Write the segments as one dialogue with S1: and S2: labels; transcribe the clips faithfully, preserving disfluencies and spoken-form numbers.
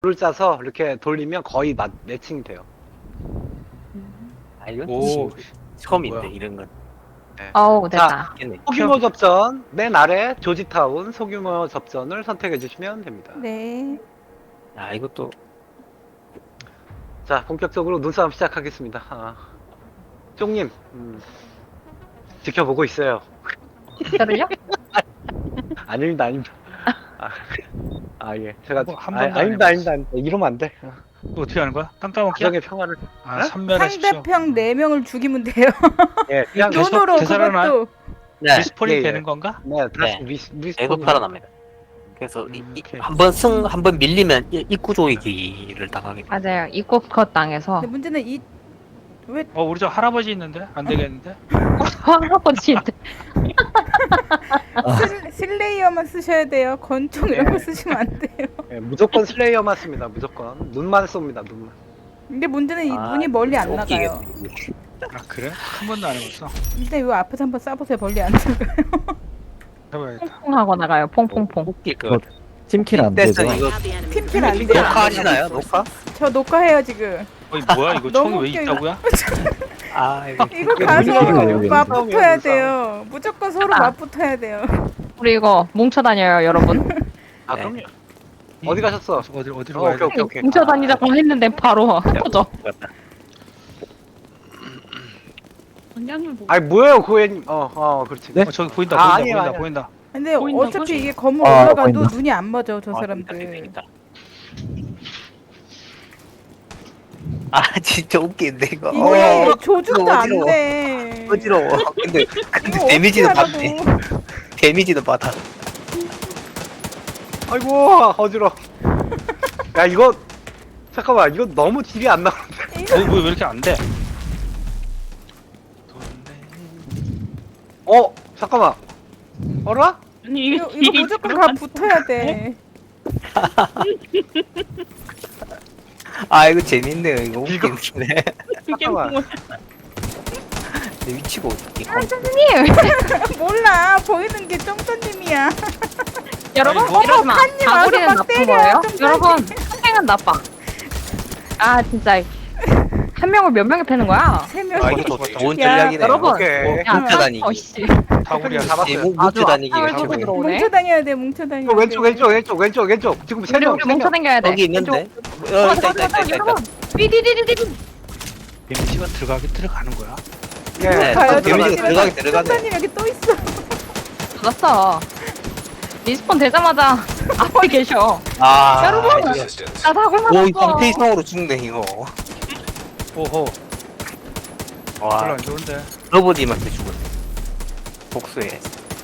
S1: 줄을 짜서 이렇게 돌리면 거의 맞, 매칭이 돼요.
S2: 아 이건
S3: 오,
S2: 처음인데
S3: 뭐야.
S2: 이런 건.
S4: 어우
S1: 자,
S4: 됐다.
S2: 있겠네.
S1: 소규모 접전 맨 아래 조지타운 소규모 접전을 선택해 주시면 됩니다.
S5: 네.
S2: 야 이것도
S1: 자, 본격적으로 눈싸움 시작하겠습니다. 아, 쪽님, 음, 지켜보고 있어요.
S4: 저를요?
S1: 아닙니다, 아닙니다. 아, 아 예, 제가
S3: 뭐, 한
S1: 아,
S3: 번도 안
S1: 아닙니다,
S3: 해봤어.
S1: 아닙니다, 아닙니다. 이러면 안 돼.
S3: 또 어떻게 하는 거야? 땅따먹기야?
S1: 가정의 평화를.
S3: 아,
S1: 어?
S3: 선멸하십시오.
S5: 상대편 네 명을 죽이면 돼요.
S1: 예, 그냥
S3: 계속
S5: 눈으로
S3: 되살아나?
S5: 그것도.
S2: 네
S3: 리스폰이
S1: 예, 예.
S3: 되는 건가?
S1: 네, 다시
S2: 네.
S1: 리스, 리스
S2: 계속 살아납니다. 그래서
S3: 음, 오케이.
S2: 한번 승 한 번 밀리면 이- 입구 조이기를 당하게 돼.
S4: 맞아요. 입국 컷 당해서
S5: 근데 문제는 이 왜
S3: 어, 우리 저 할아버지 있는데? 안 되겠는데?
S4: 할아버지한테
S5: 슬, 슬레이어만 쓰셔야 돼요. 권총 이런
S1: 네.
S5: 거 쓰시면 안 돼요.
S1: 예, 무조건 슬레이어만 씁니다. 무조건 눈만 쏩니다. 눈만.
S5: 근데 문제는 이
S2: 아,
S5: 눈이 멀리 안
S2: 웃기겠네.
S5: 나가요.
S3: 아, 그래? 한 번도 안 해봤어.
S5: 일단 요 앞에서 한번 쏴보세요. 멀리 안 나가요.
S3: 해봐야겠다.
S4: 퐁퐁하고 나가요. 퐁퐁퐁.
S2: 웃길 것 같아.
S6: 팀킬 안
S2: 됐어
S6: 되죠?
S2: 이거
S5: 팀킬 안 돼요.
S2: 녹화하시나요? 녹화?
S5: 저 녹화해요 지금.
S3: 어이, 뭐야, 이거
S5: 너무
S3: 총이 왜
S5: 웃겨,
S3: 있다고요?
S2: 아 이거
S5: 이거
S1: 이게
S5: 가서
S6: 눈싸움이에요,
S5: 맞붙어야
S1: 눈싸움.
S5: 돼요. 무조건 서로
S4: 아.
S5: 맞붙어야 돼요.
S4: 우리 이거 뭉쳐 다녀요, 여러분.
S1: 아,
S2: 네.
S1: 그럼요. 어디 가셨어?
S3: 어디, 어디로
S1: 어,
S3: 가야
S1: 오케이,
S3: 돼?
S1: 오케이, 오케이.
S4: 뭉쳐 다니자고 했는데 바로 터져.
S2: 같다.
S1: 아니, 뭐예요, 고객님. 어, 어, 그렇지.
S6: 네?
S3: 어, 저기 보인다,
S1: 아,
S3: 보인다,
S1: 아니에요,
S3: 보인다,
S1: 아니에요.
S3: 보인다.
S5: 근데
S4: 보인다고?
S5: 어차피 이게 건물
S6: 아,
S5: 올라가도
S6: 보인다.
S5: 눈이 안 맞아 저
S2: 아,
S5: 사람들.
S2: 있다, 있다, 있다. 아 진짜 웃긴데 이거.
S5: 이게
S2: 어,
S5: 조준도
S2: 이거
S5: 안
S2: 어지러워.
S5: 돼.
S2: 어지러워. 근데 근데
S5: 이거
S2: 데미지도
S5: 어떻게
S2: 받네.
S5: 하라고.
S2: 데미지도 받아.
S1: 아이고, 어지러. 야, 이거 잠깐만, 이거 너무 딜이 안 나오는데.
S3: 아니, 뭐, 왜 이렇게 안 돼?
S1: 어, 잠깐만. 어라?
S5: 이거, 이거 무조건 가 붙어야 돼.
S2: 아 이거 재밌네요. 이거
S1: 이거-
S2: 웃기네.
S1: 잠깐만.
S2: 내 위치가 어떻게?
S4: 선생님!
S5: 몰라 보이는 게 쫑쫑님이야.
S4: 여러분,
S3: 아이고.
S4: 이러지 마.
S5: 칸님 와서
S4: 다구리는
S5: 막
S4: 나쁜
S5: 때려,
S4: 거예요?
S5: 좀
S4: 여러분, 한 명은 나빠. 아, 진짜. 한 명을 몇 명이 패는 거야?
S5: 세 명.
S2: 아 이거 더 좋은
S5: 야,
S2: 전략이네.
S4: 여러분.
S1: 오케이.
S4: 야,
S2: 뭉쳐 다니기.
S4: 어, 씨.
S3: 다구리야.
S1: 잡았어요.
S2: 뭉- 뭉쳐 다니기를
S4: 아주
S2: 하고.
S4: 악하게 들어오네.
S5: 뭉쳐 다녀야 돼. 뭉쳐 다녀야 돼.
S1: 왼쪽, 왼쪽, 왼쪽, 왼쪽, 왼쪽. 지금 세
S4: 우리,
S1: 명,
S4: 우리
S1: 세
S4: 뭉쳐
S1: 명.
S4: 다녀야 돼.
S2: 여기 있는데.
S4: 왼쪽.
S2: 어
S4: 어,
S2: 있다
S4: 잠깐,
S2: 있다 있다
S4: 잠깐,
S2: 있다.
S4: 여러분. 삐디디디디.
S3: 데미지가 들어가게 들어가는 거야.
S1: 예.
S2: 네,
S5: 가요.
S2: 데미지가 들어가게 들어가네.
S5: 쫑쫑님 여기 또 있어.
S4: 받았어. 리스폰 되자마자 앞에 계셔.
S2: 아
S4: 여러분!
S2: 이거-
S4: 나 다굴
S2: 오, 이
S4: 맞았어.
S2: 방패 이상으로 죽네 이거.
S3: 오호, 별로
S2: 와,
S3: 안 좋은데.
S2: 로봇님한테 죽었네. 복수해.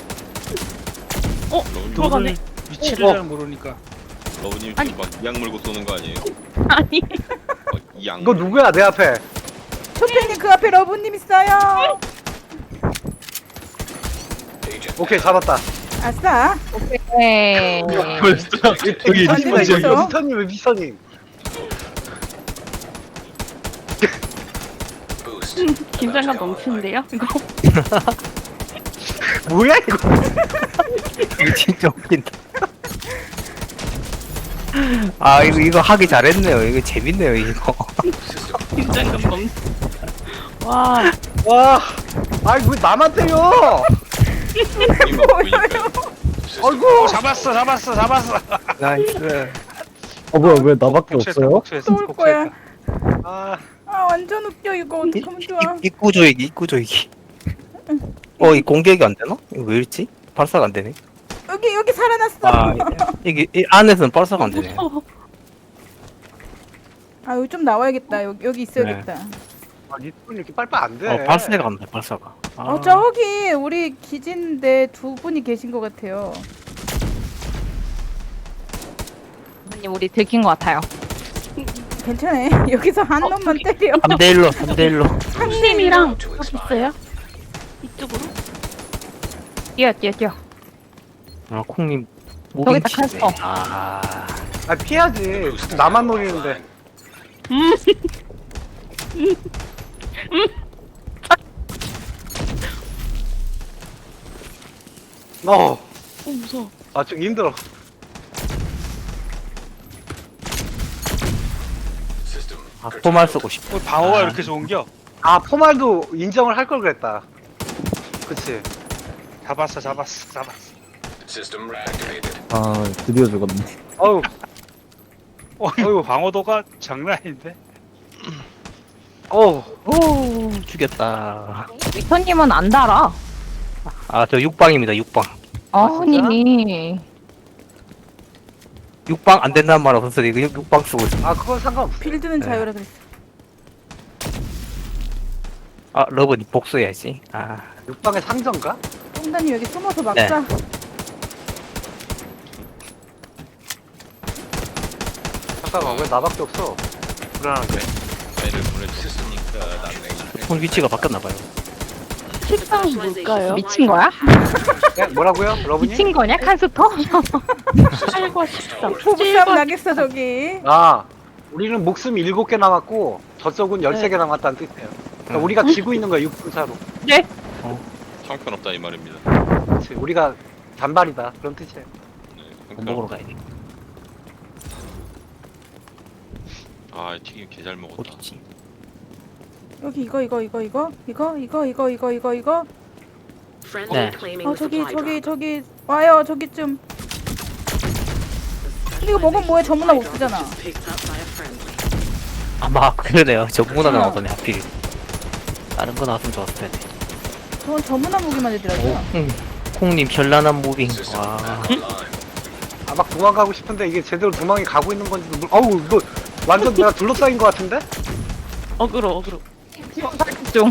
S4: 어?
S3: 누구를
S4: 들어가네.
S3: 위치를
S1: 어.
S3: 잘 모르니까.
S7: 러브님
S4: 아니.
S7: 지금 막 이악 물고 쏘는 거 아니에요?
S4: 아니.
S7: 어, 이악
S1: 이거 누구야, 내 앞에?
S5: 초팬님 그 앞에 러브님 있어요.
S1: 오케이, 잡았다.
S5: 아싸.
S4: 네.
S1: 여기
S5: 어디가
S1: 미스터님,
S5: 있어?
S1: 미스터님, 왜 미스터님?
S8: 긴장감 넘치는데요? 이거
S1: 뭐야, 이거?
S2: 이거 진짜 웃긴다. 아 이거 이거 하기 잘했네요. 이거 재밌네요 이거.
S8: 긴장감 넘. 와,
S1: 와, 아이, 왜 나만 때려?
S7: 막 보이니까
S1: 아이고.
S3: 어, 잡았어, 잡았어, 잡았어.
S2: 나이스.
S6: 어 뭐야 왜 나밖에
S3: 복수했다,
S6: 없어요?
S3: 복수했어,
S5: 또 올 거야.
S3: 복수했다.
S1: 아,
S5: 아 완전 웃겨 이거 어떡하면 좋아.
S2: 입구 조이기 입구 조이기. 어 이 공격이 안 되나? 이거 왜 이렇지? 발사가 안 되네.
S5: 여기 여기 살아났어.
S2: 아 이게 이 안에서는 발사가 안 되네.
S5: 아 여기 좀 나와야겠다. 여기 여기 있어야겠다.
S1: 아, 리스폰이 이렇게 빨빨 안 돼.
S2: 어 발사가 안 돼. 발사가. 아,
S5: 어 저기 우리 기진데 두 분이 계신 것 같아요.
S4: 선생님, 우리 들킨 것 같아요.
S5: 괜찮아. 여기서 한 놈만 때려.
S2: 삼 대 일로 삼 대 일로.
S8: 상님이랑 여기 있어요? 이쪽으로?
S4: 뛰어, 뛰어, 뛰어.
S2: 아 콩님
S4: 저기 딱
S2: 무빙치네.
S4: 했어.
S2: 아
S1: 아, 피하지. 나만 노리는데. 어,
S8: 어 무서워.
S1: 아, 좀 힘들어.
S2: 아, 포말 쓰고 싶어.
S3: 어, 방어가
S2: 아.
S3: 이렇게 좋은겨?
S1: 아 포말도 인정을 할 걸 그랬다. 그치.
S3: 잡았어 잡았어 잡았어.
S6: 아 드디어 죽었네.
S1: 어우
S3: 어,
S1: 어이구.
S3: 방어도가 장난 아닌데?
S1: 어우
S2: 오, 죽였다.
S4: 위터님은 안 달아.
S2: 아, 저 육방입니다, 육방.
S4: 아니.
S2: 육방 안 된다는 말 없었어. 이거 육- 육방 쓰고 있어.
S1: 아 그건 상관없어.
S5: 빌드는
S2: 네.
S5: 자유라 그랬어.
S2: 아, 러브니 복수해야지. 아,
S1: 육방의 상전가?
S5: 똥단님 여기 숨어서 막자.
S2: 네.
S1: 잠깐만 왜 나밖에 없어? 불안한데.
S7: 배를 보내줬으니까 나는
S2: 오늘 위치가 바뀌었나봐요.
S8: 식당 뭘까요?
S4: 미친 거야?
S1: 네, 뭐라고요? 러브님?
S4: 미친 거냐? 칸스터?
S8: 팔과 십삼.
S5: 부부싸움 나겠어 저기.
S1: 아 우리는 목숨이 일곱 개 남았고 저쪽은 열세 개 남았다는 뜻이에요. 그러니까
S2: 음.
S1: 우리가 지고 있는 거야 육 분 차로.
S4: 네?
S7: 형편없다 이 말입니다.
S1: 그치 우리가 단발이다 그런 뜻이에요.
S7: 네,
S2: 밥 먹으러 가야 돼.
S7: 아 튀김 개잘 먹었다.
S2: 어딨지?
S5: 여기 이거 이거 이거 이거 이거 이거 이거 이거 이거 이거.
S2: 네.
S5: 어 저기 저기 저기 와요 저기쯤. 이거 먹으면 뭐해 전문화 못 쓰잖아.
S2: 아마 그러네요. 저 문화 나오더니 하필. 다른 거 나왔으면 좋았을 텐데.
S5: 저건 전문화 무기만 되더라고요.
S2: 콩, 콩님 현란한 무빙. 와.
S1: 아 막 도망가고 싶은데 이게 제대로 도망이 가고 있는 건지도 모르. 어우 이거 완전 내가 둘러싸인 것 같은데?
S8: 어그로 어그로.
S4: 좀.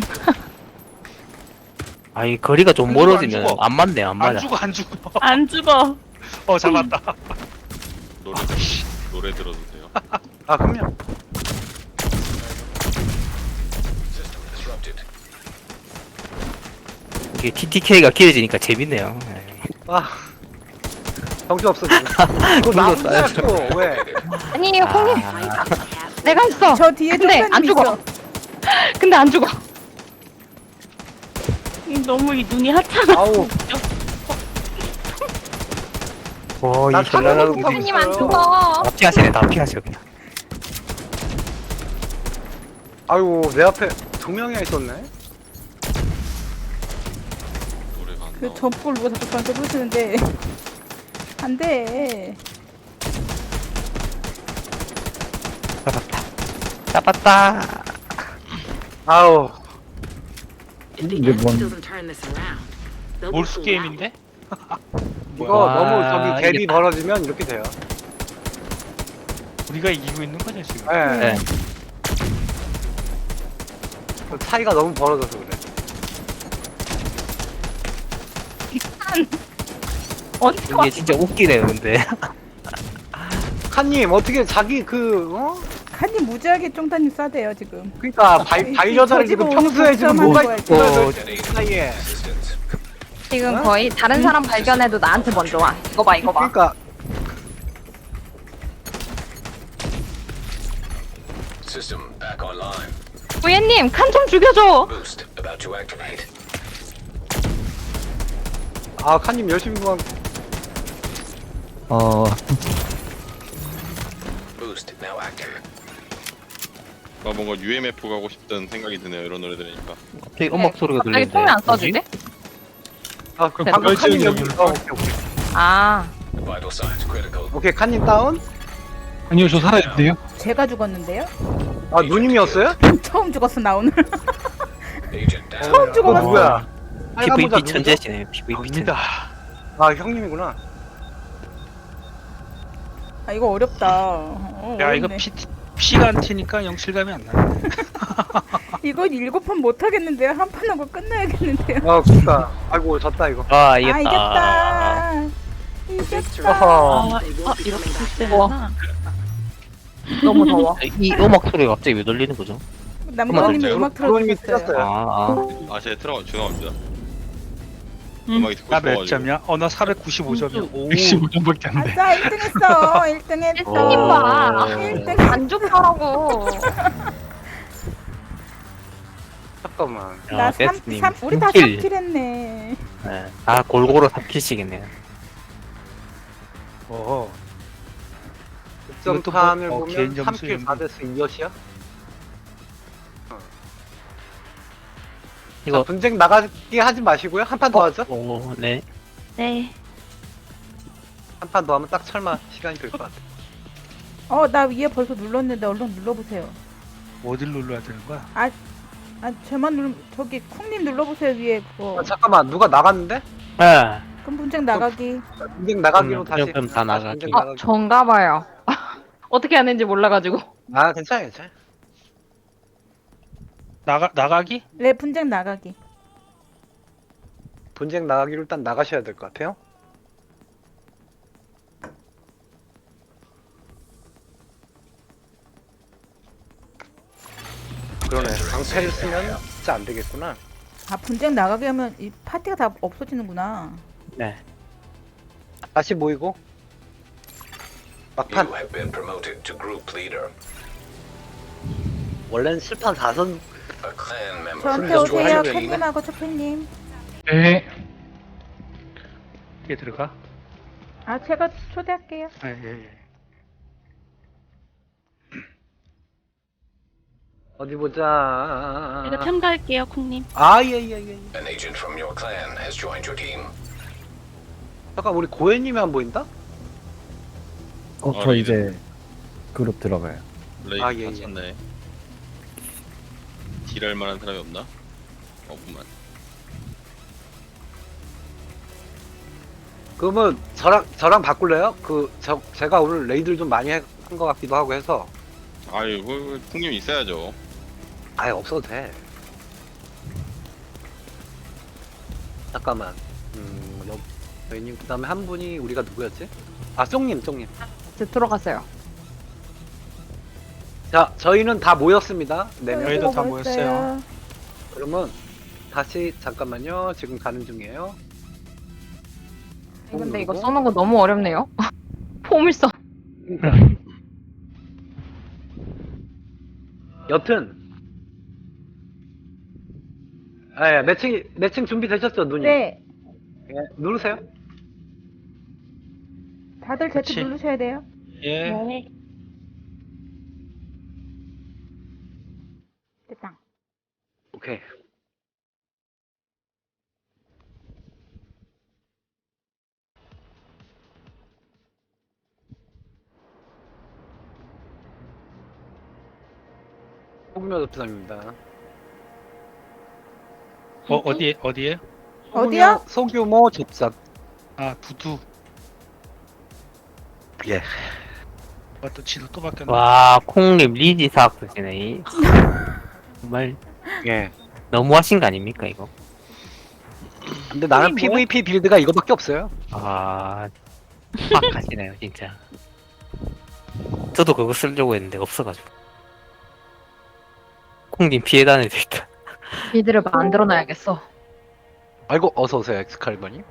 S2: 아이 거리가 좀
S3: 안 죽어, 안
S2: 멀어지면
S3: 죽어.
S2: 안 맞네, 안
S3: 안
S2: 맞아.
S3: 죽어 안 죽어.
S8: 안 죽어.
S3: 어 잡았다.
S7: 노래 노래 들어도 돼요?
S1: 아 그럼요.
S2: 이게 티티케이가 길어지니까 재밌네요. 네.
S1: 아 정신 없어 지금. 이거 나무야 또 왜?
S4: 아니, 홍님.
S2: 아,
S4: 내가 있어.
S5: 저 뒤에
S4: 근데 안
S5: 똥단님
S4: 죽어.
S5: 있어.
S4: 근데 안 죽어.
S8: 이 너무 이 눈이 하찮아.
S1: 아우
S2: 오, 이
S1: 나
S2: 현란한
S1: 사는
S2: 무빙.
S4: 홍님 안
S1: 있어요.
S4: 죽어.
S2: 다 피하시네, 다 피하셔 그냥.
S1: 아유 내 앞에 두 명이나 있었네.
S7: 노래가 안
S5: 그
S7: 나와.
S5: 점프를 누가 자꾸 저한테 부르시는데 안 돼.
S2: 잡았다. 잡았다.
S1: 아우
S6: 이게 뭔
S3: 몰수 게임인데?
S1: 이거
S2: 와,
S1: 너무 저기 갭이
S2: 이겼다.
S1: 벌어지면 이렇게 돼요.
S3: 우리가 이기고 있는 거냐 지금?
S1: 예.
S2: 네.
S1: 그 차이가 너무 벌어져서 그래.
S2: 이게 진짜 웃기네요, 근데.
S1: 칸님 어떻게 자기 그 어?
S5: 칸님 무지하게 쫑단님 싸대요 지금.
S1: 그러니까 발
S5: 이-
S1: 반려자를
S5: 이
S1: 지금
S5: 저지도
S1: 평소에 지금
S5: 오늘
S1: 뭐가
S5: 복잡한
S1: 있어 그 사이에.
S4: 지금
S1: 어?
S4: 거의 다른 사람 발견해도 나한테 먼저 와. 이거 봐, 이거 봐.
S1: 그러니까
S4: 부예님, 칸 좀 죽여줘.
S1: 아 칸님 열심히 도망.
S6: 어
S7: 아 뭔가 유엠에프 가고 싶다는 생각이 드네요 이런 노래 들으니까.
S2: 갑자기 음악 소리가
S4: 갑자기
S2: 들리는데.
S4: 통이 안
S2: 뭐지?
S4: 써지대?
S1: 아 그럼
S4: 네,
S1: 방금 칸님
S3: 열심히
S1: 여기.
S3: 여기
S1: 어, 오케이 오케이.
S4: 아.
S1: 오케이 칸님 다운.
S3: 아니요 저 살아있는데요.
S5: 제가 죽었는데요?
S1: 아 누님이었어요?
S5: 처음 죽었어 나 오늘.
S1: 처음
S5: 어, 죽어봤어.
S1: 누구야? 빨간 모자
S2: 피브이피
S1: 누구죠?
S2: 천재시네, 피브이피 천재.
S3: 입니다.
S1: 아 형님이구나.
S5: 아 이거 어렵다. 어,
S3: 야 이거
S5: 어렵네.
S3: 피 피가 안 튀니까 영실감이 안 나.
S5: 이거 일곱 판 못 하겠는데요. 한 판 하고 끝나야겠는데요.
S1: 아 그니까. 아이고 졌다 이거.
S2: 아,
S5: 아
S2: 이겼다.
S5: 이겼다. 이겼다.
S1: 어허.
S8: 아, 아 이렇게 될 때구나.
S4: 너무 더워.
S2: 이 음악 소리가 갑자기 왜 들리는 거죠?
S5: 남건님이
S7: 음악
S5: 음악
S1: 부모님이
S5: 틀어주셨어요.
S1: 틀었어요.
S2: 아, 아.
S7: 아 제가 들어가 죄송합니다.
S8: 음.
S7: 음악이 듣고
S3: 나 몇
S7: 싶어가지고.
S3: 점이야? 어 나 사백구십오 점이야. 오.
S2: 백십오 점밖에 안 돼.
S5: 아싸 일 등 했어. 일 등 했어.
S4: 일등님 봐.
S5: 일 등.
S4: 안 죽더라고.
S1: 잠깐만.
S5: 나
S2: 아,
S5: 삼,
S2: 데스님.
S5: 삼, 우리 다
S2: 삼킬.
S5: 삼 킬 했네.
S2: 네. 아, 골고루 삼 킬씩 했네요.
S3: 어.
S1: 득점판을
S3: 뭐, 어,
S1: 보면
S3: 개인 점수
S1: 삼 킬
S3: 이런
S1: 사 데스 이엇이야?
S2: 이거
S1: 자, 분쟁 나가게 하지 마시고요. 한 판 더 하죠.
S2: 오, 네.
S8: 네.
S1: 한 판 더 하면 딱 설마 시간이 될 것 같아.
S5: 어, 나 위에 벌써 눌렀는데 얼른 눌러보세요.
S3: 어딜 눌러야 되는 거야?
S5: 아, 제만 누르 저기 쿵님 눌러보세요 위에 그거.
S1: 아, 잠깐만 누가 나갔는데?
S2: 아,
S5: 그럼 분쟁 나가기.
S1: 분쟁 나가기로
S2: 그럼,
S1: 다시.
S2: 그럼 다
S1: 다시
S2: 나가기.
S1: 분쟁
S4: 어,
S1: 나가기.
S4: 전가 봐요. 어떻게 하는지 몰라가지고.
S1: 아 괜찮아 괜찮아.
S3: 나가 나가기?
S5: 네, 분쟁 나가기.
S1: 분쟁 나가기로 일단 나가셔야 될 것 같아요. 그러네. 방패를 쓰면 진짜 안 되겠구나.
S5: 아, 분쟁 나가게 하면 이 파티가 다 없어지는구나.
S2: 네.
S1: 다시 모이고 막판.
S9: You have been promoted to group leader.
S1: 원래는 칠판 사 선.
S9: A clan member
S5: 저한테
S1: 분쟁
S5: 오세요,
S1: 좋아하는 거
S5: 캣님하고 초팬님.
S3: 네. 이게 들어가?
S5: 아, 제가 초대할게요.
S3: 아, 예, 예.
S1: 어디 보자.
S8: 제가 참가할게요, 콩님.
S1: 아예예예. 예, 예.
S9: an agent from your clan has joined your team.
S1: 잠깐 우리 고현님이 안 보인다?
S6: 어,
S7: 아,
S6: 저
S7: 네.
S6: 이제 그룹 들어가요.
S7: 레이드
S1: 아, 예, 예.
S7: 갇혔네. 딜할 만한 사람이 없나? 없구만.
S1: 그러면 저랑 저랑 바꿀래요? 그 저 제가 오늘 레이드를 좀 많이 한 것 같기도 하고 해서.
S7: 아유, 그 풍님 있어야죠.
S1: 아예 없어도 돼. 잠깐만. 음, 여, 저희님 그다음에 한 분이 우리가 누구였지? 아, 쫑님, 쫑님.
S4: 이제 들어갔어요.
S1: 자, 저희는 다 모였습니다. 네 명.
S3: 저희도 다
S5: 모였어요.
S3: 모였어요.
S1: 그러면 다시 잠깐만요. 지금 가는 중이에요.
S4: 근데 이거
S1: 누르고.
S4: 써는 거 너무 어렵네요. 폼을 써.
S1: 여튼. 아, 예, 매칭 매칭 준비 되셨죠, 누님?
S5: 네,
S1: 예, 누르세요.
S5: 다들 Z
S3: 그치.
S5: 누르셔야 돼요.
S3: 예.
S8: 네.
S5: 됐다.
S1: 오케이. 소규모 접상입니다.
S3: 어 어디에 어디에?
S5: 어디요?
S1: 소규모 접상.
S3: 아 부두.
S1: 예.
S3: 아또 지도 또 바뀌었네.
S2: 와, 콩님 리지 사학 쓰시네. 정말
S1: 예.
S2: 너무하신 거 아닙니까 이거?
S1: 근데 나는
S3: 이게 뭐야?
S1: 피브이피 빌드가 이거밖에 없어요.
S2: 아, 막 하시네요 진짜. 저도 그거 쓰려고 했는데 없어가지고. 콩님 피해 다닐 수 있다.
S4: 빌드를 만들어 놔야겠어.
S1: 아이고 어서 오세요 엑스칼버님.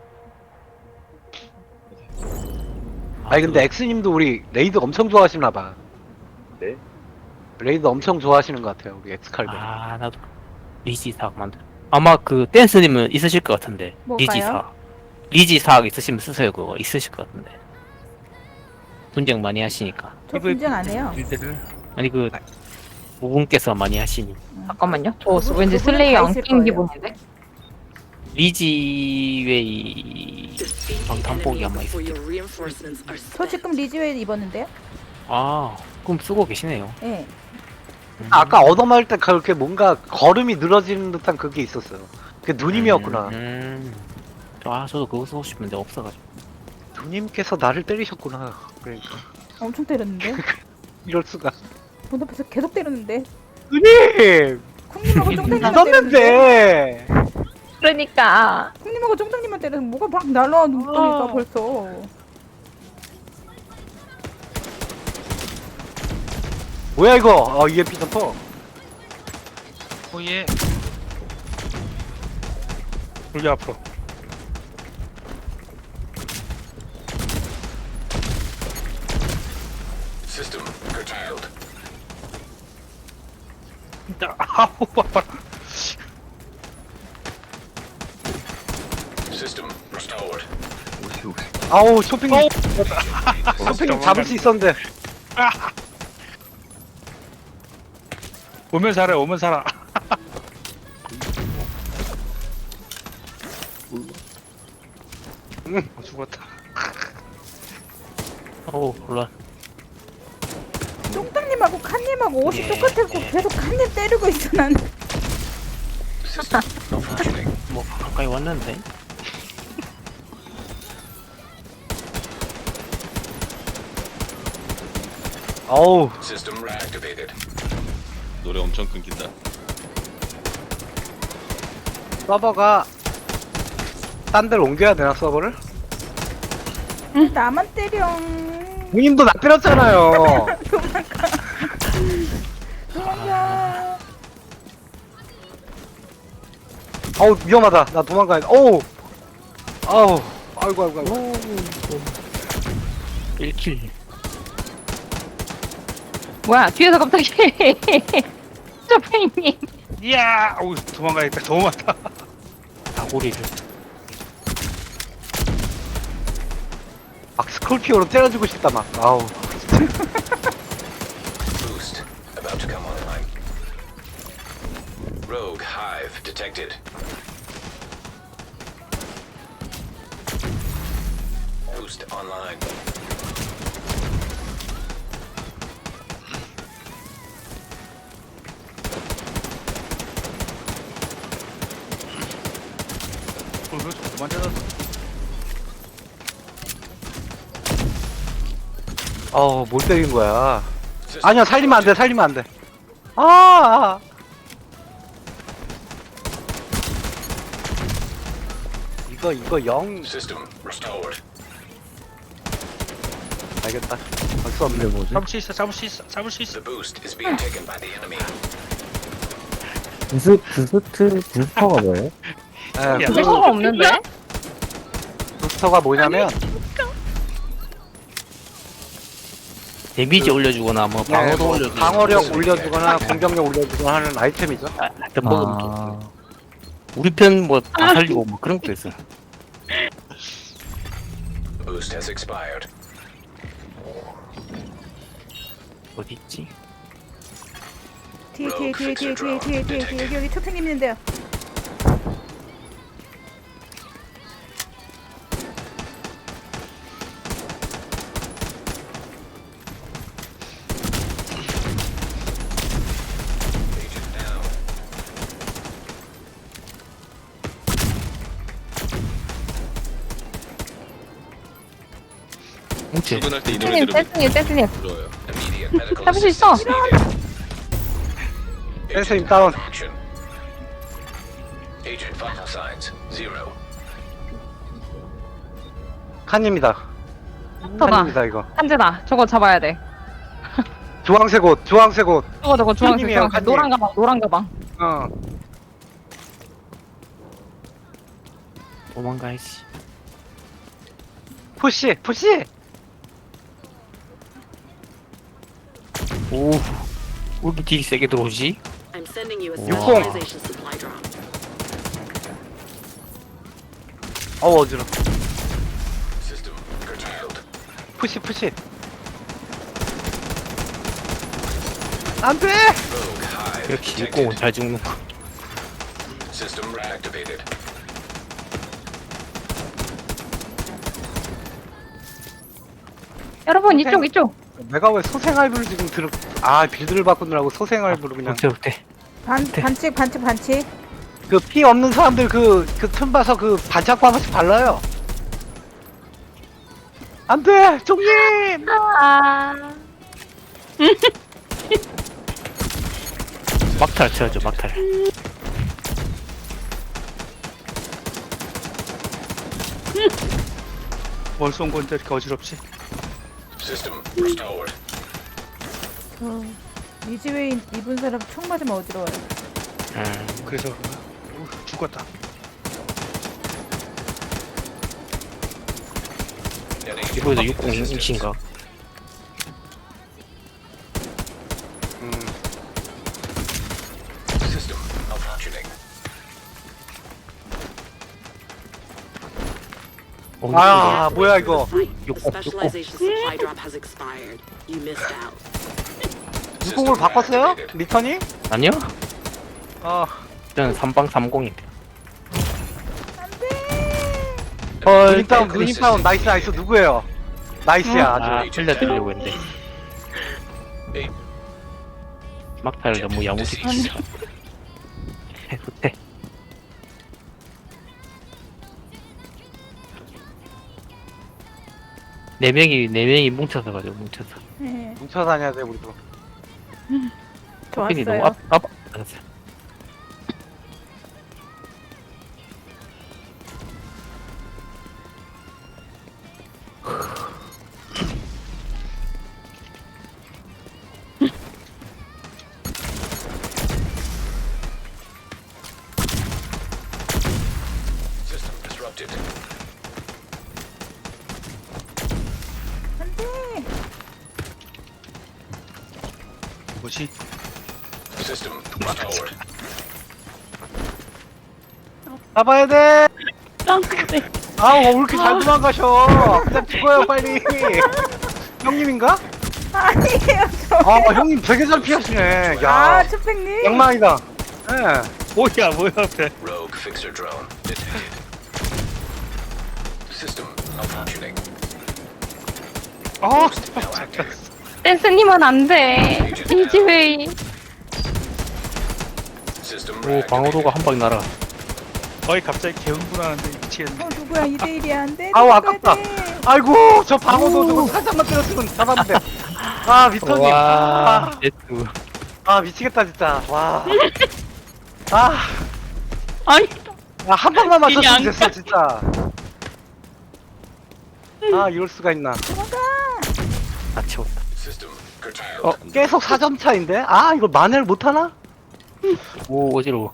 S1: 아니 근데 엑스님도 우리 레이드 엄청 좋아하시나 봐.
S6: 네?
S1: 레이드 엄청 좋아하시는 것 같아요 우리 엑스칼버님.
S2: 아, 나도 리지 사학 만들. 아마 그 댄스님은 있으실 것 같은데.
S5: 뭘까요?
S2: 리지 사학. 리지 사학 있으시면 쓰세요 그거. 있으실 것 같은데. 분쟁 많이 하시니까.
S5: 저
S3: 이거-
S5: 분쟁 안 해요.
S3: 빌드를.
S2: 아니 그 오분께서 많이 하시니.
S4: 잠깐만요. 저
S5: 그분-
S4: 왠지
S5: 그분은
S4: 슬레이
S5: 다
S4: 안
S5: 있을
S4: 낀
S5: 거예요.
S4: 기분인데?
S2: 리지웨이 방탄복이 아마 있을 때.
S5: 저 지금 리즈웨이 입었는데요?
S2: 아, 그럼 쓰고 계시네요.
S5: 네.
S1: 아까 얻어맞을 때 그렇게 뭔가 걸음이 늘어지는 듯한 그게 있었어요. 그게 누님이었구나.
S2: 음, 음. 아, 저도 그거 쓰고 싶은데 없어가지고.
S1: 누님께서 나를 때리셨구나. 그러니까
S5: 엄청 때렸는데?
S1: 이럴 수가.
S5: 문 앞에서 계속 때렸는데?
S1: 누님
S5: 쿵님하고 쫑장님만 때렸는데?
S1: 늦었는데.
S4: 그러니까.
S5: 쿵님하고 쫑장님만 때려서 뭐가 막 날라와 눈덩이가
S4: 어.
S5: 벌써.
S1: 뭐야 이거? 어 이에피 점퍼.
S3: 오예. 돌려 앞으로.
S9: System curtailed.
S3: 진짜 아우 봐봐.
S9: System restored.
S1: 아우 쇼핑.
S3: 어.
S1: 쇼핑 잡을 수 있었는데.
S3: 오면 살아 오면 살아. 어, 죽었다.
S2: 어우 몰라.
S5: 똥땅님하고 칸님하고 옷이
S2: 예,
S5: 똑같았고
S2: 예.
S5: 계속 칸님 때리고 있어 난.
S9: System malfunctioning.
S2: 뭐 가까이 왔는데.
S1: 어우,
S9: System reactivated.
S7: 노래 엄청 끊긴다.
S1: 서버가 딴 데로 옮겨야 되나 서버를?
S5: 나만 때려.
S1: 본인도 나 때렸잖아요.
S5: 도망가.
S1: 어우 위험하다. 나 도망가야 돼. 어우, 아우, 아이고 아이고 아이고.
S2: 일 킬.
S4: 뭐야, 뒤에서 갑자기. 쇼팽님.
S3: 이야, 어우 도망가야겠다. 너무 많다.
S2: 다구리를.
S1: 막 스콜피오로 때려주고 싶다 막. 아우.
S9: Boost about to come online. Rogue hive detected. Boost online.
S3: 그걸 그만 때렸어.
S1: 어우 뭘 때린 거야. 아니야 살리면 안 돼. 살리면 안 돼. 아. 이거 이거 영
S9: System restored.
S1: 알겠다. 할 수 없네.
S6: 이게 뭐지?
S3: 잡을 수 있어. 잡을 수 있어. 잡을 수 있어.
S9: The boost is being taken by the enemy.
S6: 부스, 부스트, 부스터가 뭐예요?
S1: 예,
S3: 야.
S1: 그
S4: 부서가 없는데?
S1: 부스터가 뭐냐면
S2: 데미지 올려주거나 뭐
S1: 네,
S2: 방어도
S1: 뭐
S2: 올려주거나.
S1: 방어력 올려주거나 공격력 올려주거나 하는 아이템이죠.
S2: 아, 하여튼 먹으면 좀.
S6: 아,
S2: 우리 편 뭐 다 살리고 뭐 그런 것도 있어.
S9: Boost has expired.
S2: 어디 있지?
S5: 뒤에 뒤에 뒤에 뒤에 뒤에 뒤에 뒤에 뒤에 여기 여기 초팽님 있는데요.
S9: Agent down.
S2: 뭉치.
S7: 출근할 때 이 노래
S4: 떼스님,
S7: 들으면
S4: 떼스님, 떼스님.
S7: 불러요.
S9: Immediate medical
S4: 잡을 수 있어.
S9: assistance needed.
S1: 떼스님
S9: Agent
S1: 다운.
S9: action. Agent vital signs zero.
S1: 칸입니다.
S4: 저다.
S1: 칸입니다 이거.
S4: 한재다. 저거 잡아야 돼.
S1: 주황색 옷, 주황색 옷.
S4: 저거, 저거, 주황색,
S1: 칸님이에요,
S4: 주황색.
S1: 칸님.
S4: 노란 가방, 노란 가방.
S1: 어.
S2: 도망가야지.
S1: 푸시, 푸시.
S2: 오. 왜 이렇게 딜이 세게 들어오지?
S10: I'm sending you a
S1: 육공.
S10: specialization supply drop.
S1: 어우 어지러.
S9: System curtailed.
S1: 푸시, 푸시. 안돼.
S9: Rogue hive
S2: 역시
S9: detected.
S2: 일공은 잘 죽는 거.
S9: System reactivated.
S4: 여러분, 이쪽, 이쪽.
S1: 내가 왜 소생알부를 지금 들어? 아 빌드를 바꾸느라고 소생알부를 그냥.
S2: 어때 어때?
S5: 반 반칙 반칙 반칙.
S1: 그 피 없는 사람들 그 그 틈 봐서 그 반짝 하나씩 발라요. 안돼, 종님.
S4: 아.
S2: 막탈 쳐야죠 막탈.
S3: 뭘 쏜 건데 이렇게 어지럽지?
S9: System restored.
S5: 어, 리즈웨이 입은 사람 총 맞으면 어지러워요.
S2: 음.
S3: 그래서 우, 죽었다.
S9: Enemy
S2: 이거에서 육공 임신가?
S1: 음,
S9: system malfunctioning.
S2: 어,
S1: 아 뭐야 이거?
S10: Fight. The
S2: 육공,
S10: specialization supply drop has expired. You missed out.
S1: 유공을 바꿨어요? 리턴이?
S2: 아니요?
S1: 어.
S2: 저는 삼방 삼공인데.
S5: 안돼.
S2: 헐,
S1: 누님 다운 누님 다운 나이스 나이스 누구예요? 나이스야
S2: 아,
S1: 아주.
S2: 살려드리려고 했는데. 막타를 너무 야무지게. 못해. 네 명이 네 명이 뭉쳐서 가지고 뭉쳐서.
S5: 네,
S1: 뭉쳐 다녀야 돼 우리도.
S2: 핀이 너무
S5: 좋았어요.
S2: 앞, 앞, 알았어.
S9: System disrupted.
S5: 안 돼.
S3: 뭐지?
S9: System restored.
S1: 잡아야 돼.
S8: 짱구네.
S1: 아우 왜 이렇게 잘 도망가셔? 그냥 죽어요 빨리. 형님인가?
S5: 아니에요, 저.
S1: 아 형님 되게 잘 피하시네.
S5: 아,
S1: 야
S5: 초팽님.
S1: 양망이다. 예.
S3: 뭐야 뭐야 앞에.
S9: Rogue fixer drone detected. System malfunctioning.
S3: 아
S9: Boost now active.
S4: 댄스님은 안 돼. 이지웨이.
S9: System
S2: 오, 방어도가
S9: reactivated.
S2: 한 방에 날아.
S3: 거의 갑자기 개흥분하는데 미치겠네.
S5: 어, 누구야, 이 대 일이야. 안 돼.
S1: 아우,
S5: 누가
S1: 아깝다.
S5: 돼.
S1: 아이고 저 방어도 저거 살짝만 때렸으면 잡았는데. 아 미터님.
S2: 와,
S1: 아,
S2: 제트.
S1: 아 미치겠다 진짜. 와. 아.
S8: 아니,
S1: 야, 한 방만
S8: 길이
S1: 맞췄으면
S8: 안
S1: 됐어 진짜. 아 이럴 수가 있나.
S2: 아, 채웠다.
S9: System curtailed.
S2: 어,
S1: 계속 사 점 차인데? 아 이거 만회를 못하나?
S2: 오, 어지러워.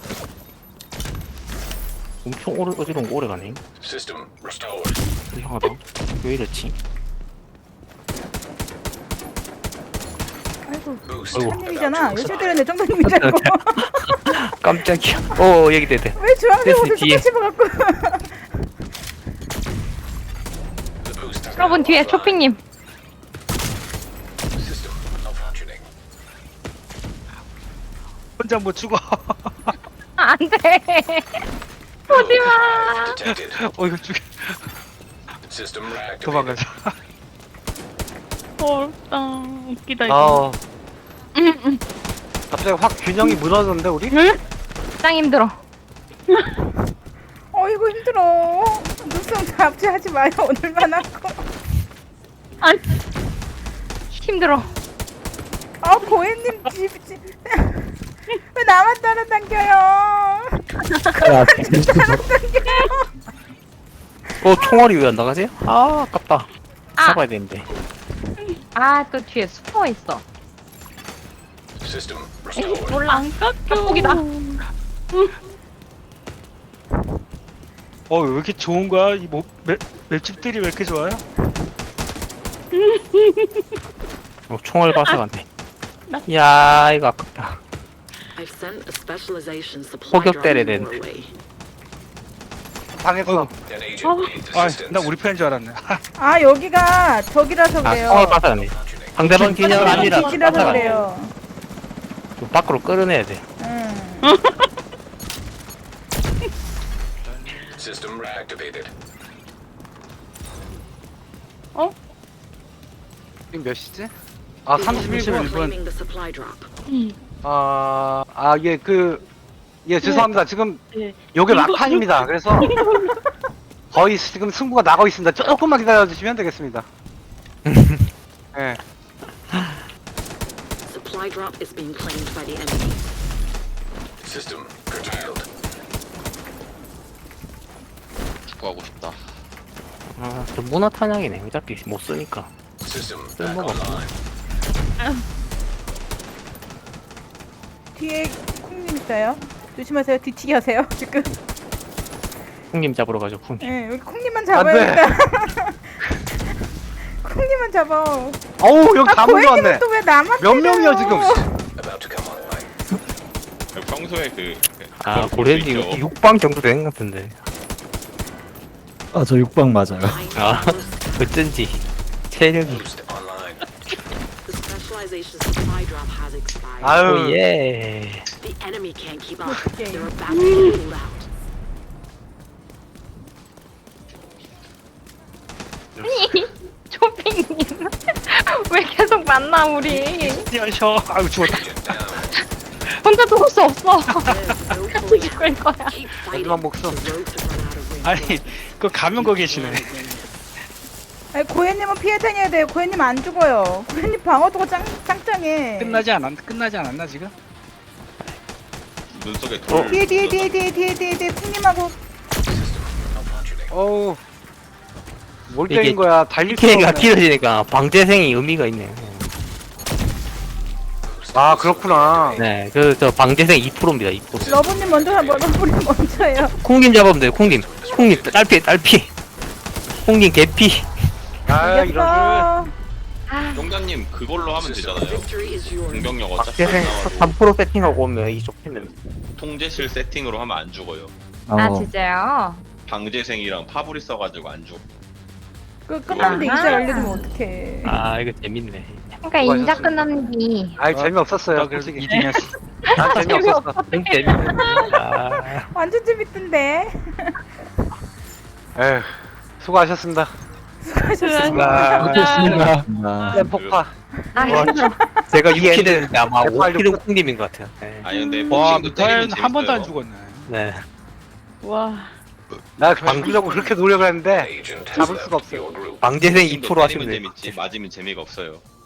S2: 엄청 오래, 어지러운 거 오래 가네.
S9: System restored.
S2: 이상하다. 왜 이랬지?
S5: 아이고,
S9: Boost
S2: 아이고.
S9: about
S5: 한님이잖아.
S9: to
S5: 열심히
S9: expire.
S5: 때렸네, 정도님인 줄 알고.
S2: 깜짝이야. 어, 여기 되대.
S5: 왜 주황색 옷을
S2: 뒤에.
S5: 똑같이 입어갖고.
S9: The boost is
S4: 여러분
S9: now
S4: 뒤에
S9: offline.
S4: 초핑님.
S9: System malfunctioning.
S3: 혼자 못 죽어.
S4: 안 돼. 오지 마.
S9: Detected.
S3: 어 이거 죽여.
S9: System reactivated.
S3: 도망가자.
S8: 어렵다. 웃기다, 이거.
S1: 아
S4: 응, 응.
S1: 갑자기 확 균형이 무너졌는데 우리?
S4: 응? 짱 힘들어.
S5: 어이구, 힘들어. 눈썹 잡지하지 마요, 오늘만 하고.
S4: 아니. 힘들어.
S5: 아, 고혜님 집, 집. 왜 나만 따라당겨요?
S6: 야,
S5: 따라당겨요.
S2: 어, 총알이 왜 안 나가지? 아, 아깝다.
S4: 아.
S2: 잡아야 되는데.
S4: 아, 또 뒤에 숨어 있어.
S9: System
S4: 에이,
S9: restored.
S4: 몰라.
S8: 안 깎여.
S4: 닭고기다.
S3: 어 왜 이렇게 좋은 거야? 이뭐 맵집들이 왜 이렇게 좋아요?
S2: 어, 총알 발사갔네. 야, 이거 아깝다.
S10: I've sent a specialization supply
S2: 포격
S10: drop
S2: 때려야
S10: your
S2: 되는데.
S10: way.
S1: 당했어.
S9: An agent needs
S3: 아
S9: assistance.
S3: 나 우리 편인 줄 알았네.
S5: 아, 여기가 저기라서
S2: 아,
S5: 그래요.
S2: 총알 발사갔네. 상대방 기념 아니라
S5: 기지라서
S2: 발사갔네.
S5: 그래요.
S2: 좀 밖으로 끌어내야 돼.
S5: 응.
S9: System reactivated.
S1: 지금 몇 시지? 아
S10: Is
S1: 삼십일
S10: everyone
S1: 분.
S10: claiming the supply drop?
S1: 아, 아, 예, 그, 예, 죄송합니다. 지금,
S8: 네.
S1: 요게 막판입니다. 그래서, 거의 지금 승부가 나고 있습니다. 조금만 기다려주시면 되겠습니다. 예.
S10: Supply drop is being claimed by the enemy.
S9: System curtailed.
S7: 축구하고 싶다.
S2: 아, 저 문화 탄약이네. 어차피 못 쓰니까.
S9: System back
S2: 쓸모가 없어.
S9: online.
S5: 뒤에 콩님 있어요. 조심하세요. 뒤치기 하세요. 지금.
S2: 형님 잡으러 가죠, 형님.
S5: 예, 여기 콩님만 잡아야겠다. 콩님만 잡아.
S1: 어우, 여기
S5: 아,
S1: 다 몰려왔네.
S5: 고혜님은 또 왜 나만
S1: 몇
S5: 때려요?
S1: 명이야, 지금?
S9: About to come online.
S7: 평소에 그
S2: 아,
S7: 그걸
S2: 고래님
S7: 볼수 있죠.
S2: 육 방 정도 되는 것 같은데.
S6: 아, 저 육방 맞아요.
S2: 아, 어쩐지. 체력이.
S9: Boost online.
S10: The specialization supply drop has expired.
S1: 아유,
S2: 오, 예.
S10: The enemy can't keep up.
S5: Okay.
S10: They're about to get pulled out.
S4: 만나 우리.
S3: 뛰어셔. 아유 죽었다.
S9: Agent down.
S4: 혼자 죽을 수 없어.
S10: There's no
S4: 같이
S10: point.
S4: 죽을 거야.
S10: Keep
S1: 마지막
S10: fighting.
S1: 목숨.
S10: The road to run out of wind.
S3: 아니 그 가면 거 계시네.
S5: 아니 고현님은 피해 다녀야 돼요. 고현님 안 죽어요. 고현님 방어도가 짱 짱짱해.
S3: 끝나지 않았 끝나지 않았나 지금?
S7: 눈 속에 돌.
S5: 뒤에 뒤에 뒤에 뒤에 뒤에 뒤에 뒤에 쿵님하고
S1: 어우. 뭘
S2: 이게
S1: 때린 거야? 달릴 수가
S2: 피해가
S1: 없네.
S2: 길어지니까 방재생이 의미가 있네.
S1: 아, 그렇구나.
S2: 네, 그 저 방재생 이 퍼센트입니다. 이 퍼센트.
S5: 러브님 먼저 하 러브님 먼저예요.
S2: 콩님 잡으면 돼요. 콩님. 콩님 딸피 딸피. 콩님 개피.
S1: 아, 이런
S5: 이겼어.
S7: 용단님 그걸로 하면 되잖아요.
S10: Victory is yours.
S7: 공격력 어차피
S2: 방재생
S7: 안 나와도
S2: 삼 퍼센트 세팅하고 오면 이 좋겠네.
S7: 통제실 세팅으로 하면 안 죽어요.
S4: 아
S6: 어,
S4: 진짜요?
S7: 방재생이랑 파브리 써가지고 안 죽어.
S5: 그 끝났는데
S4: 아하.
S5: 이제 알려주면 어떡해.
S2: 아 이거 재밌네.
S4: 그러니까 인자 끝났니.
S1: 아이, 재미없었어요,
S3: 나 그래서
S1: 솔직히.
S3: 이 등이었어.
S1: 난 재미없었어.
S2: 좀 재밌네. 아,
S5: 완전 재밌던데.
S1: 에휴, 수고하셨습니다.
S5: 수고하셨습니다.
S6: 어쨌습니다.
S1: 쌤 폭파.
S4: 아
S2: 와,
S4: 힘들어.
S2: 제가 육 킬했는데 아마 오
S1: 빨리
S2: 킬은 콩님인 것 같아요. 네.
S7: 아니 근데
S3: 와
S7: 복싱도 때리면
S3: 미타엘 한 번도 안
S7: 재밌어요.
S3: 죽었네.
S2: 네.
S8: 와.
S1: 나 방주려고 그렇게 노력을 했는데
S9: Agent has
S1: 잡을
S9: left
S1: 수가 없어요.
S9: your group.
S2: 방재생 이
S7: 복싱도
S2: 퍼센트
S7: 때리면
S2: 하시면 돼요.
S7: 재밌지 맞으면 재미가 없어요.